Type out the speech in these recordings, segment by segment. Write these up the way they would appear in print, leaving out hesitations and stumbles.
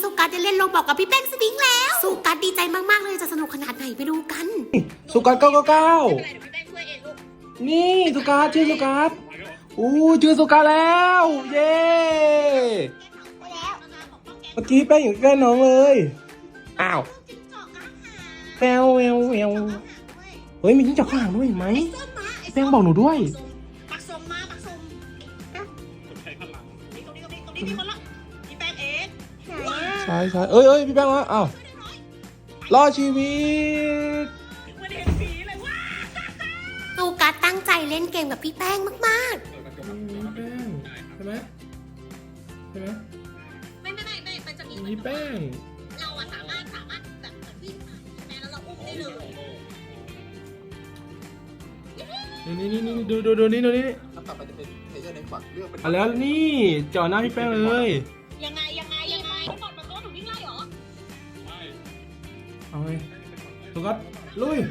สุกัสได้เล่นโรบอกกับพี่แป้งสวิงแล้วสุกัสดีใจมากๆเลยจะสนุกขนาดไหนไปดูกันสุกัส999 ไม่เป็นไรเดี๋ยวพี่แป้งช่วยเองลูกนี่สุกัสชื่อสุกัสชื่อสุกัสแล้วเย้เมื่อกี้แป้งอยู่ใกล้น้องเลยอ้าวแมวเฮ้ยมีจิ้งจอกข้างหลังด้วยเห็นไหมแป้งบอกหนูด้วยปักส่งตรงนี้มีคนละพี่แป้งเองใช่เอ้ยพี่แป้งวะอ้าวรอดชีวิตไม่ได้เห็นผีเลยว้าสุกัสตั้งใจเล่นเกมกับพี่แป้งมากๆแป้งใช่ไหมไม่มันจะมีพี่แป้งเราอะสามารถแบบวิ่งผ่านใช่ไหมแล้วเราอุ้มได้เลยนี่ดูนี่ถ้าต่อไปจะเป็นเพลเยอร์ในฝักเลือกเป็นแล้วนี่จ่อหน้าพี่แป้งเลยยังไงต้องกดมันก็หนูวิ่งไล่เหรอเอาไงสุกัสลุย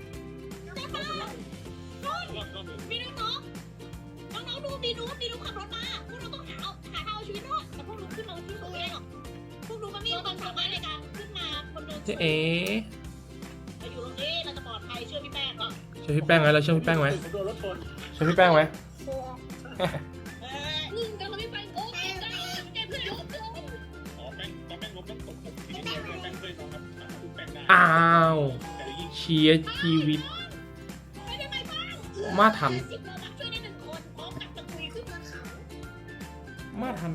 มีน้องดูมีนูขับรถมาพวกเราต้องหาทางเอาชีวิตรอดแต่พวกนูขึ้นมาที่ตัวเองหรอกพวกนูมันมีความสามารถในการขึ้นมาคนเดินเอ๋เราอยู่ตรงนี้เราจะปลอดภัยเชื่อพี่แป้งก่อนเชื่อพี่แป้งไหมเราเชื่อพี่แป้งไหมเชื่อพี่แป้งไหมนี่กันเราไม่ไปโอ้ยแกเพื่อนอ้าวเชียร์ชีวิตมาทันมาทัน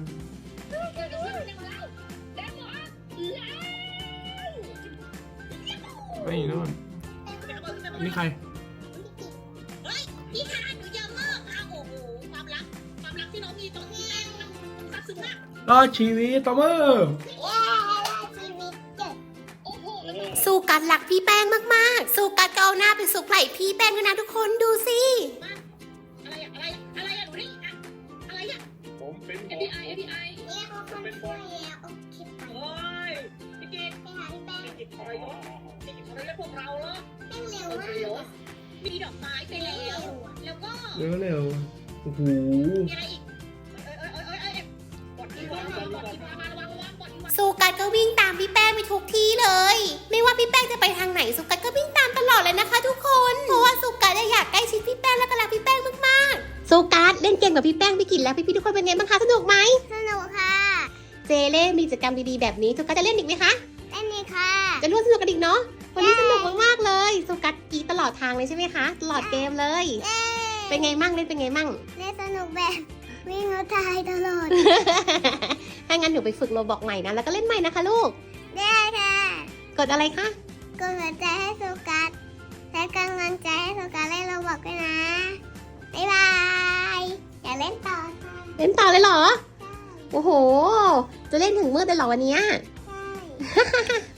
ไม่นู่นนี่ใครพี่ค่ะหนูเยอะมากค่ะโอ้โหความรักที่น้องมีตอนนี้มันซับซึ้งมากรอดชีวิตต่อเมื่อสุกัสรักพี่แป้งมากๆสุกัสก็เอาหน้าไปสุกไหล่พี่แป้งด้วยนะทุกคนดูสิอะไรอะหนูนี่อะไรอะผมเป็น FBI ผมเป็นบอลโอ้ยพี่กิ๊กไปหาพี่แป้งพี่กิ๊กคอยแล้วพวกเราเหรอมีดอกไม้ไปแล้วก็เร็วโอ้โหมีอะไรอีกสุกัสก็วิ่งตามพี่แป้งไปทุกที่เลยไม่ว่าพี่แป้งจะไปทางไหนสุกัสก็วิ่งตามตลอดเลยนะคะทุกคนเพราะว่าสุกัสอยากใกล้ชิดพี่แป้งและก็รักพี่แป้งมากๆสุกัสเล่นเกมกับพี่แป้งพี่กินแล้วพี่ทุกคนเป็นไงบ้างคะสนุกไหมสนุกค่ะเจเล่มีกิจกรรมดีๆแบบนี้สุกัสจะเล่นอีกไหมคะเล่นเลยค่ะจะร่วมสนุกกันอีกเนาะวันนี้สนุกมากๆเลยสุกัสกีตลอดทางเลยใช่ไหมคะตลอดเกมเลยเป็นไงมั่งเล่นเป็นไงมั่งเล่นสนุกแบบวิ่งแล้วตายตลอดถ้างั้นหนูไปฝึกโรบอกใหม่นะแล้วก็เล่นใหม่นะคะลูกได้ค่ะกดอะไรคะกดหัวใจให้สุกัสและกำลังใจให้สุกัสเล่นโรบอกด้วยนะบ๊ายบายอย่าเล่นต่อค่ะเล่นต่อเลยเหรอโอ้โหจะเล่นถึงมืดเลยเหรอวันนี้ใช่